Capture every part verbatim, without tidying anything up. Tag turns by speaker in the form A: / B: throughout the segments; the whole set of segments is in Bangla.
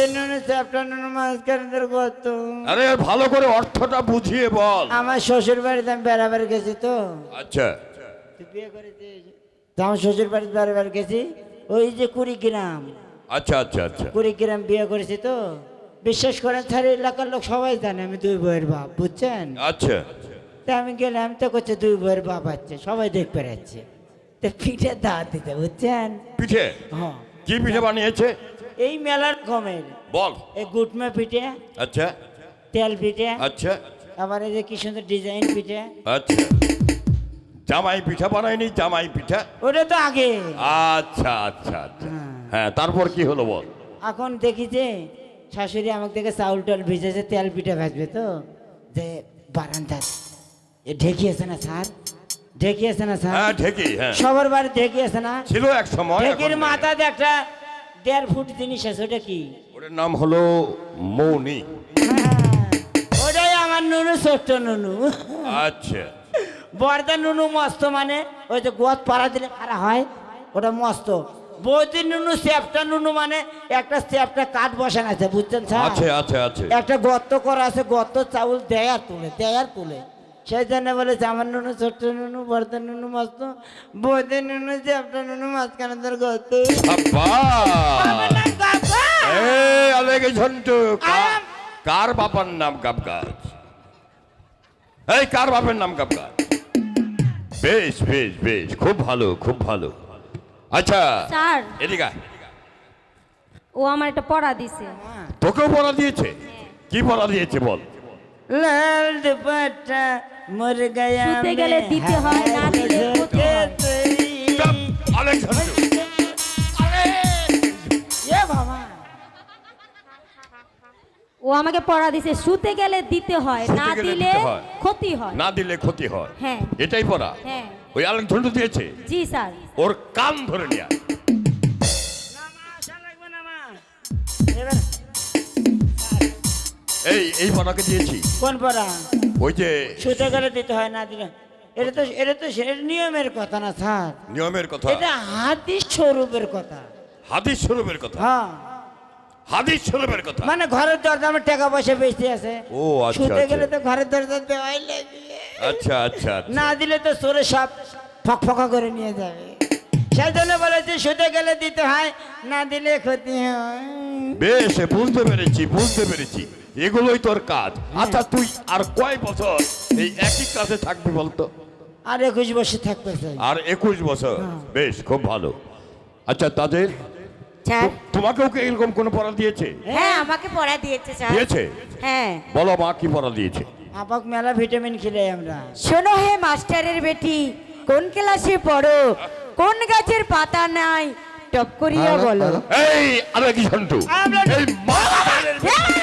A: বদিন নুনু চ্যাপ্টা নুনু মাঝখানের গত।
B: আরে ভালো করে অর্থটা বুঝিয়ে বল।
A: আমার শ্বশুর বাড়িতে আমি বেড়াবার গেছি তো।
B: আচ্ছা
A: তুই বিয়ে করেছিস? তো আমার শ্বশুর বাড়িতে বেড়াবার গেছি, ওই যে কুড়িগ্রাম।
B: আচ্ছা আচ্ছা আচ্ছা
A: কুড়িগ্রাম বিয়ে করেছি তো। বিশ্বাস করেন স্যার, এলাকার লোক সবাই জানে আমি দুই বইয়ের বাপ, বুঝছেন?
B: আচ্ছা
A: তা আমি গেলাম তো, করছে দুই বইয়ের বাপ আছে, সবাই দেখতে পাচ্ছে। তো পিঠে দাঁত দিতে, বুঝছেন?
B: পিঠে
A: হ্যাঁ।
B: কি পিঠে বানিয়েছে?
A: এই মেলার কমের
B: বল।
A: এই গুটমা পিঠে,
B: আচ্ছা
A: তেল পিঠে,
B: আচ্ছা
A: আবার এই যে কি সুন্দর ডিজাইন পিঠে।
B: আচ্ছা জামাই পিঠা বানায়নি? জামাই পিঠা
A: ওটা তো আগে।
B: আচ্ছা আচ্ছা আচ্ছা
A: হ্যাঁ।
B: হ্যাঁ তারপর কি হলো বল।
A: এখন দেখি যে শাশুড়ি আমাকে দেখে চাউল টাল ভিজেছে, তেল পিঠা ভাজবে তো, যে বারান্দা এ ঢেকিয়েছে না স্যার, ঢেকিয়েছে না স্যার?
B: হ্যাঁ ঢেকি, হ্যাঁ
A: সবার বাড়ি ঢেকিয়েছে না?
B: ছিল এক সময়।
A: ঢেকির
B: এখন নেই।
A: মাথাতে একটা দেড় ফুট জিনিস আছে, ওটা কি?
B: ওটার নাম হলো মৌনি।
A: হ্যাঁ, ওটাই আমার নুনু, ছোট্ট নুনু।
B: আচ্ছা
A: বর্দা নুনু মস্ত, মানে ওই যে গোয়াত পাড়া দিলে খারা হয়, ওটা মস্ত। বৌদি নুনু চ্যাপ্টা নুনু, মানে একটা চ্যাপ্টা কাঠ বসানো আছে, বুঝছেন স্যার?
B: আচ্ছা আচ্ছা আচ্ছা
A: একটা গর্ত করা আছে, গর্ত চাউল দেয় আর তুলে, দেয় আর তুলে। সেই জন্য বলেছে আমার নুনু ছোট্ট নুনু, বর্দা নুনু মস্ত, বৌদি নুনু চ্যাপ্টা নুনু, মাঝখানে তোর গর্ত। আমার নাম কাকা।
B: এই আলেগে ঝন্টু, কা-
A: আম-
B: কার বাবার নাম গাবগাছ? এই কার বাপের নাম গাবগাছ? বেশ বেশ বেশ, খুব ভালো খুব ভালো। আচ্ছা
C: স্যার,
B: এদিকে আয়।
C: ও আমার একটা পড়া দিছে।
B: তোকেও পড়া দিয়েছে? কি পড়া দিয়েছে বল।
A: লাল দুপাট্টা মর গয়া
C: শুতে গেলে
A: মে
C: দিতে হয়, না দিলে
A: হায়
C: ক্ষতি হয়।
A: তেরি।
B: চুপ, আলেক ঝন্টু।
A: এ বাবা,
C: ও আমাকে পড়া দিছে, শুতে গেলে দিতে হয়,
B: শুতে
C: না
B: গেলে
C: দিলে
B: দিতে হয়।
C: ক্ষতি হয়।
B: না দিলে ক্ষতি হয়,
C: হ্যাঁ।
B: এটাই পড়া?
C: হ্যাঁ।
B: ওই আলেক ঝন্টু দিয়েছে?
C: জি স্যার।
B: ওর কান ধরে নিয়া।
A: না মা, আশা লাগবে না মা। এবার
B: এই এই পড়াকে দিয়েছি।
A: কোন পড়া?
B: ওই যে
A: শুতে গেলে দিতে হয়, না দিলে। এটা তো এটা তো সে নিয়মের কথা না স্যার,
B: নিয়মের কথা,
A: এটা হাদিস স্বরূপের কথা।
B: হাদিস স্বরূপের কথা।
A: হ্যাঁ,
B: হাদিস স্বরূপের কথা।
A: মানে ঘরের দরজা আমার টাকা পয়সা বেশি আছে,
B: ও আচ্ছা
A: শুতে
B: আচ্ছা।
A: গেলে তো ঘরের দরজা দেওয়াই লাগবে।
B: আচ্ছা আচ্ছা আচ্ছা।
A: না দিলে তো চোরে সব ফকফকা করে নিয়ে যাবে। সেই জন্য বলেছি শুতে গেলে দিতে হয়, না দিলে ক্ষতি হয়।
B: বেশ বুঝতে পেরেছি বুঝতে পেরেছি, এগুলোই তোর কাজ। আচ্ছা তুই আর কয় বছর এই একই কাজে থাকবি বলতো?
A: আর একুশ বছর থাকতে চাই।
B: আর একুশ বছর? বেশ খুব ভালো। আচ্ছা তাদের
D: স্যার,
B: তোমাকেও কি এরকম কোনো পড়া দিয়েছে?
D: হ্যাঁ আমাকে পড়া দিয়েছে স্যার।
B: দিয়েছে?
D: হ্যাঁ,
B: বলো মা কি পড়া দিয়েছে।
A: আপাক মেলা ভিটামিন খেলে আমরা।
D: শোনো হে মাস্টারের বেটি, কোন ক্লাসে পড়ো, কোন গাছের পাতা নাই, টপ করিয়া বলো।
B: এই আরে কি সন্টু,
A: আমরা-
B: এই মাস্টারের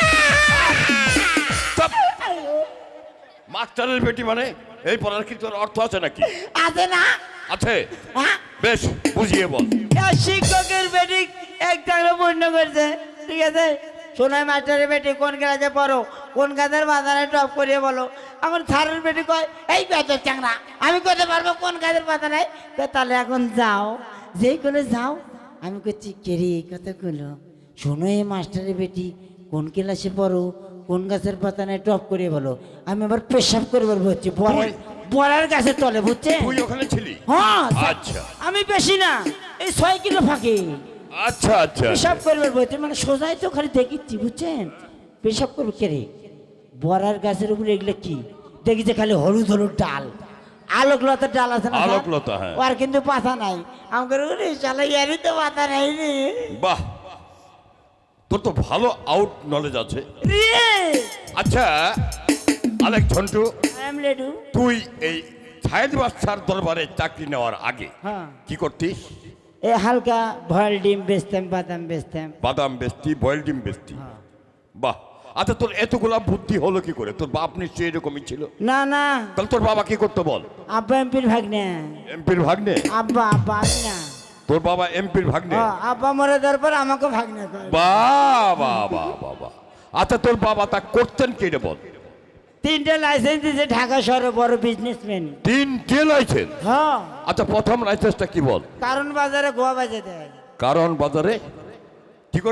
B: চুপ! মাস্টারের বেটি মানে এই পড়ার কি তোর অর্থ আছে নাকি?
A: আছে না?
B: আছে?
A: হ্যাঁ?
B: বেশ বুঝিয়ে বল।
A: আর শিক্ষকের বেটি এক টাকা পূর্ণ করছে, ঠিক আছে? শোনায় মাস্টারের বেটি কোন ক্লাসে পড়ো, কোন গাছের বাজারে টপ করিয়ে বলো। এখন স্যারের বেটি কয় এই বেতর চাংরা, আমি করতে পারবো কোন গাছের পাতা নাই? কয়, তাহলে এখন যাও, যেই করে যাও। আমি করছি কেরি এই কথাগুলো শোনো এই মাস্টারের বেটি কোন ক্লাসে পড়ো, কোন গাছের পাতা নাই, টপ করিয়ে বলো। আমি আবার পেশাব করে বলবো হচ্ছে বড়ার বড়ার গাছের তলে, বুঝছে?
B: তুই ওখানে ছিলি?
A: হ্যাঁ,
B: আচ্ছা
A: আমি বেশি না, এই ছয় কিলো ফাঁকি
B: আচ্ছা আচ্ছা
A: পেশাব করবে বলতে, মানে সোজাই তো খালি দেখিচ্ছি, বুঝছেন? পেশাব করবে কে রে? বড়ার গাছের উপরে এগুলো কি দেখি যে খালি হলুদ হলুদ ডাল, আলোকলতার ডাল আছে না স্যার?
B: আলোকলতা, হ্যাঁ।
A: ওর কিন্তু পাতা নাই। আমাকে ওরে শালা ইয়ারই তো পাতা নাই রে।
B: বাহ, তোর তো ভালো আউট নলেজ আছে।
A: রে
B: আচ্ছা আলেক ঝন্টু,
A: আই এম লেডু।
B: তুই এই ছায়েদ বাদশার দরবারে চাকরি নেওয়ার আগে
A: হ্যাঁ,
B: কি করতিস?
A: এ হালকা ভয়েল ডিম বেচতাম, বাদাম বেচতাম।
B: বাদাম বেচতি, বয়েল ডিম বেচতি।
A: হ্যাঁ।
B: বাহ, আচ্ছা তোর এতগুলা বুদ্ধি হলো কি করে? তোর বাপ নিশ্চয়ই এরকমই ছিল।
A: না না,
B: তাহলে তোর বাবা কি করতো বল?
A: আব্বা এমপির ভাগ্নে।
B: এমপির ভাগ্নে?
A: আব্বা আব্বা আমি না।
B: তোর বাবা এমপির ভাগ্নে?
A: হ্যাঁ, আব্বা মরে যাওয়ার পর আমাকে ভাগ্নে করে।
B: বাহ বাহ বাহ বাহ বাহ। আচ্ছা তোর বাবা তা করতেন কি রে বল?
A: তিনটে লাইসেন্স দিয়েছে ঢাকা শহরে, বড় বিজনেসম্যান।
B: তিনটে লাইসেন্স?
A: হ্যাঁ,
B: আচ্ছা প্রথম লাইসেন্সটা কি বল?
A: কারণ বাজারে গোয়া বাজে দেয়।
B: কারণ বাজারে কি করে?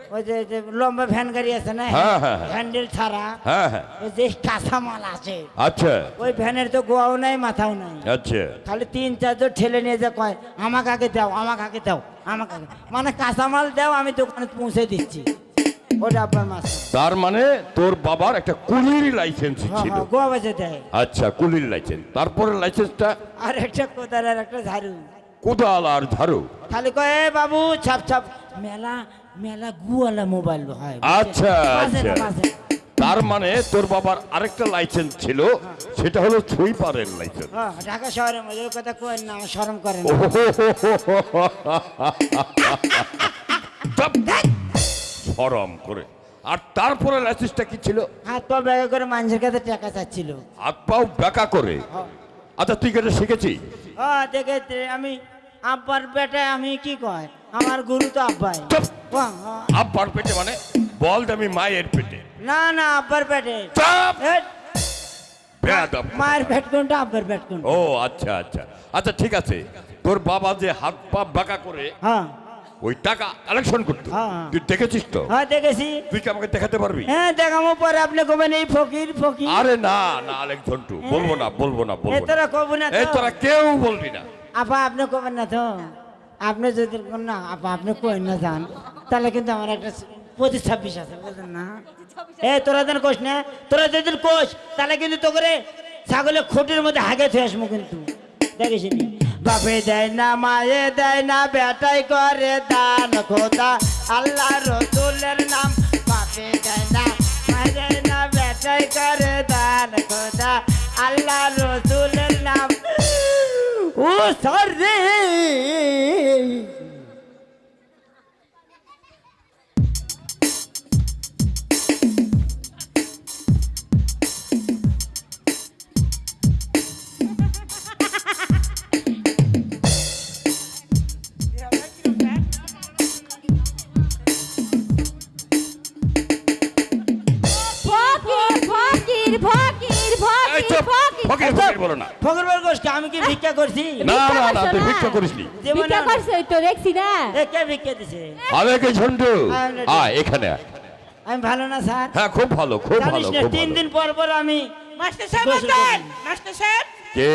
A: ওই যে যে লম্বা ভ্যান গাড়ি আছে না
B: হ্যাঁ, হ্যাঁ, হ্যাঁ।
A: হ্যান্ডেল ছাড়া
B: হ্যাঁ হ্যাঁ
A: ওই যে কাঁচামাল আছে
B: আচ্ছা
A: ওই ভ্যানের তো গোয়াও নাই মাথাও নাই
B: আচ্ছা
A: খালি তিন চারজন ঠেলে নিয়ে যা কয় আমাকে আগে দাও আমাকে আগে দাও আমাকে আগে মানে কাঁচামাল দাও আমি দোকানে পৌঁছে দিচ্ছি ওটা আপনার মাছ
B: তার মানে তোর বাবার একটা কুলির লাইসেন্স
A: হ্যাঁ
B: ছিল
A: হ্যাঁ গোয়া বাজে দেয়
B: আচ্ছা কুলির লাইসেন্স তারপরে লাইসেন্সটা
A: আর একটা কোদাল আর একটা ঝাড়ু
B: কোদাল আর ঝাড়ু
A: খালি কয় "এ বাবু ছাপ ছাপ মেলা মেলা গুয়ালা মোবাইল হয়
B: আচ্ছা
A: বাজে না,
B: আচ্ছা
A: বাজে না।
B: তার মানে তোর বাবার আরেকটা লাইসেন্স ছিল সেটা হলো সুইপারের লাইসেন্স
A: হ্যাঁ, ঢাকা শহরের মধ্যে ওই কথা কই না আমার শরম করে না
B: সরম করে আর তারপরে লাইসেন্সটা কি ছিল
A: হাত পা ব্যাগে করে মানুষের কাছে টাকা চাচ্ছিল
B: হাত পাও বেঁকা করে আচ্ছা তুই কেটে শিখেছি
A: হ্যাঁ দেখে তে- আমি আব্বার বেটায় আমি কি কয় আমার গুরু তো আব্বাই
B: চুপ!
A: হ্যাঁ, হ্যাঁ।
B: আব্বার পেটে মানে বল আমি মায়ের পেটে
A: না না আব্বার পেটে
B: চাপ
A: এ,
B: বেয়াদব।
A: মায়ের পেট কোনটা আব্বার পেট কোনটা
B: ও আচ্ছা আচ্ছা আচ্ছা ঠিক আছে তোর বাবা যে হাত পা বাঁকা করে
A: হ্যাঁ
B: ওই টাকা কালেকশন করতো
A: হ্যাঁ, হ্যাঁ।
B: তুই দেখেছিস তো
A: হ্যাঁ দেখেছি
B: তুই কি আমাকে দেখাতে পারবি
A: হ্যাঁ দেখাবো পরে আপনি কবেন এই ফকির ফকির
B: আরে না না আলেক ঝন্টু বলবো না বলবো না
A: এ
B: বলবো না
A: তোরা কব না
B: এই
A: তো
B: তোরা কেউ বলবি না
A: আপা আপনি কবেন না তো আপনি যদি না আপা আপনি কই না যান তাহলে কিন্তু আমার একটা পঁচিশ ছাব্বিশ আছে বুঝলেন না এ তোরা যেন কোষ না তোরা যদি কোষ তাহলে কিন্তু তো করে ছাগলের খুঁটির মধ্যে হাগে থুয়ে আসবো কিন্তু দেখিস নি বাপে দেয় না মায়ে দেয় না বেটাই করে দান খোদা আল্লাহ রসুলের নাম বাপে দেয় না মায়ে দেয় না বেটাই করে দান খোদা আল্লাহ রসুলের নাম ও সর রে
C: ফকির ফকির ফকির
B: এই
C: ফকির
B: চুপ
C: ফকির
B: ফকির ফকির বলো না
A: ফকর বল গোষ্ঠী আমি কি ভিক্ষা করছি
B: না
C: ভিক্ষা
B: না না
C: করছো
B: তুই
C: না?
B: ভিক্ষা করিসনি
A: জীবনে
C: ভিক্ষা করছে ওই তো দেখছি না
A: এ কে ভিক্ষা দিছে
B: আলেকে ঝন্টু
A: আরে-
B: আয় এখানে আয়।
A: আমি ভালো না স্যার
B: হ্যাঁ খুব ভালো খুব
A: জানিস
B: ভালো
A: না
B: খুব
A: তিন
B: ভালো
A: দিন পর পর আমি
E: মাস্টার সাহেব
A: গোসল
E: আছেন
A: করি।
E: মাস্টার সাহেব
B: কে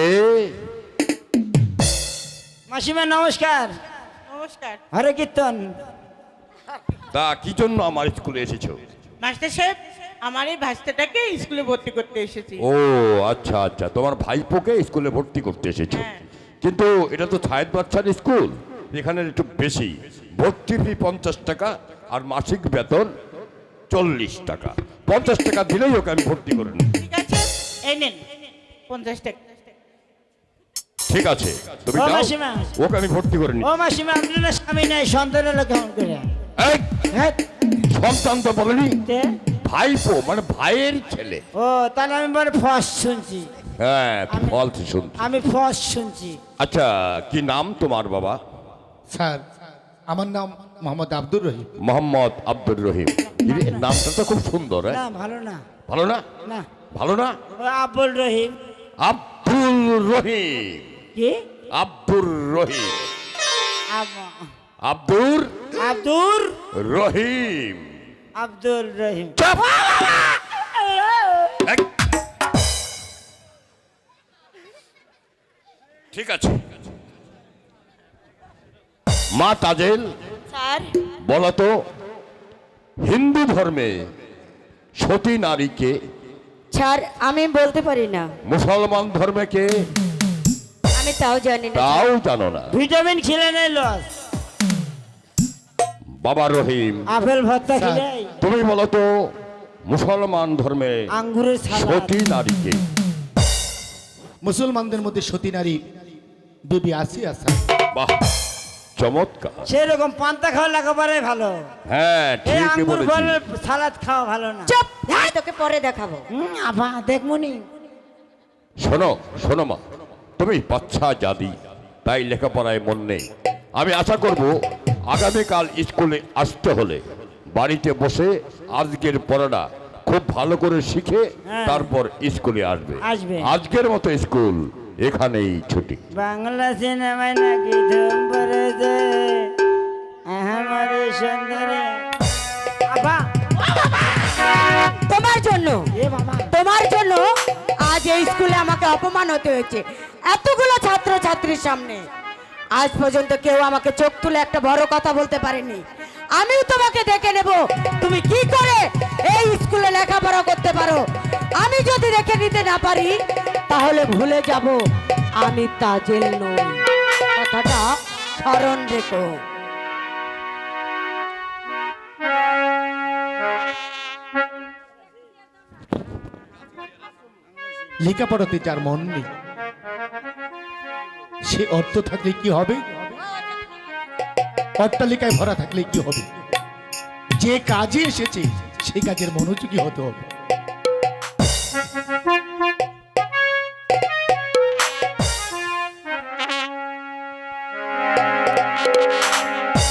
A: মাসিমা নমস্কার
E: নমস্কার
A: হরে কীর্তন
B: তা কি জন্য আমার স্কুলে এসেছো
E: মাস্টার সাহেব আমার এই ভাস্তাটাকে স্কুলে ভর্তি করতে এসেছি
B: ও আচ্ছা আচ্ছা তোমার ভাইপোকে স্কুলে ভর্তি করতে এসেছো
E: হ্যাঁ।
B: কিন্তু এটা তো ছায়েদ বাচ্চার স্কুল এখানে একটু বেশি ভর্তি ফি পঞ্চাশ টাকা আর মাসিক বেতন চল্লিশ টাকা পঞ্চাশ টাকা দিলেই ওকে আমি ভর্তি করে নিই
E: ঠিক আছে এই নেন পঞ্চাশ টাকা
B: ঠিক আছে তুমি
A: ও
B: যাও
A: মাসিমা।
B: ওকে আমি ভর্তি করে নিই
A: ও মাসিমা আপনার না স্বামী নাই সন্তান হলো কেমন করে
B: এই,
A: হ্যাঁ
B: সন্তান তো বলেনি
A: তে?
B: ভাইপো মানে ভাইয়ের ছেলে
A: ও তাহলে আমি বলে ফস শুনছি
B: হ্যাঁ তুই
A: আমি-
B: ফলস শুনছি
A: আমি ফস শুনছি
B: আচ্ছা কি নাম তোমার বাবা
F: স্যার আমার নাম মোহাম্মদ আব্দুর রহিম
B: মোহাম্মদ আব্দুর রহিম ইরে, নামটা তো খুব সুন্দর হ্যাঁ
A: না ভালো না
B: ভালো না
A: না
B: ভালো না
A: ও আব্বুল রহিম
B: আব্দুল রহিম
A: কি
B: আব্দুর রহিম
A: আব-
B: আব্দুর
A: আব্দুর
B: রহিম
A: আব্দুল রহিম
B: চাপ! এক। ঠিক আছে মা তাজেল
D: স্যার
B: বলো তো হিন্দু ধর্মে সতী নারীকে
D: স্যার আমি বলতে পারি না
B: মুসলমান ধর্মে কে
D: আমি তাও জানি না
B: তাও জানো না
A: ভিটামিন খেলে নেই লস
B: বাবা রহিম
A: আপেল ভর্তা খেলে
B: তুমি বলো তো মুসলমান ধর্মে
A: আঙ্গুরের সালাদ
B: সতী নারীকে
F: মুসলমানদের মধ্যে সতী নারী বিবি আসিয়া স্যার
B: বাহ চমৎকার
A: সেরকম পান্তা খাওয়া লেখাপড়াই ভালো
B: হ্যাঁ
A: এই
B: ঠিকই
A: আঙ্গুর
B: বলেছি
A: ফলের সালাদ খাওয়া ভালো না
D: চুপ আমি তোকে পরে দেখাবো
A: হুম, আবা দেখমুনি
B: শোনো শোনো মা তুমি বাচ্চা জাদি তাই লেখাপড়ায় মন নেই আমি আশা করব আগামীকাল স্কুলে আসতে হলে বাড়িতে বসে আজকের পড়াটা খুব ভালো করে শিখে
A: হ্যাঁ।
B: তারপর স্কুলে আসবে
A: আসবে।
B: আজকের মতো স্কুল এখানেই ছুটি
A: বাংলা সিনেমায় নাকি ধুম পড়েছে আমার সুন্দরে বাবা
D: তোমার জন্য
A: এ বাবা
D: তোমার জন্য আজ এই স্কুলে আমাকে অপমান হতে হয়েছে এতগুলো ছাত্র ছাত্রীর সামনে। আজ পর্যন্ত কেউ আমাকে চোখ তুলে একটা বড় কথা বলতে পারেনি। আমিও তোমাকে দেখে নেব তুমি কি করে এই স্কুলে লেখাপড়া করতে পারো। আমি যদি দেখে নিতে না পারি তাহলে ভুলে যাব আমি তাজেল নই। কথাটা স্মরণ রেখো।
F: লেখাপড়াতে যার মন নেই সে অর্থ থাকলে কি হবে, অট্টালিকায় ভরা থাকলে কি হবে? যে কাজে এসেছে সেই কাজের মনোযোগী হতে হবে।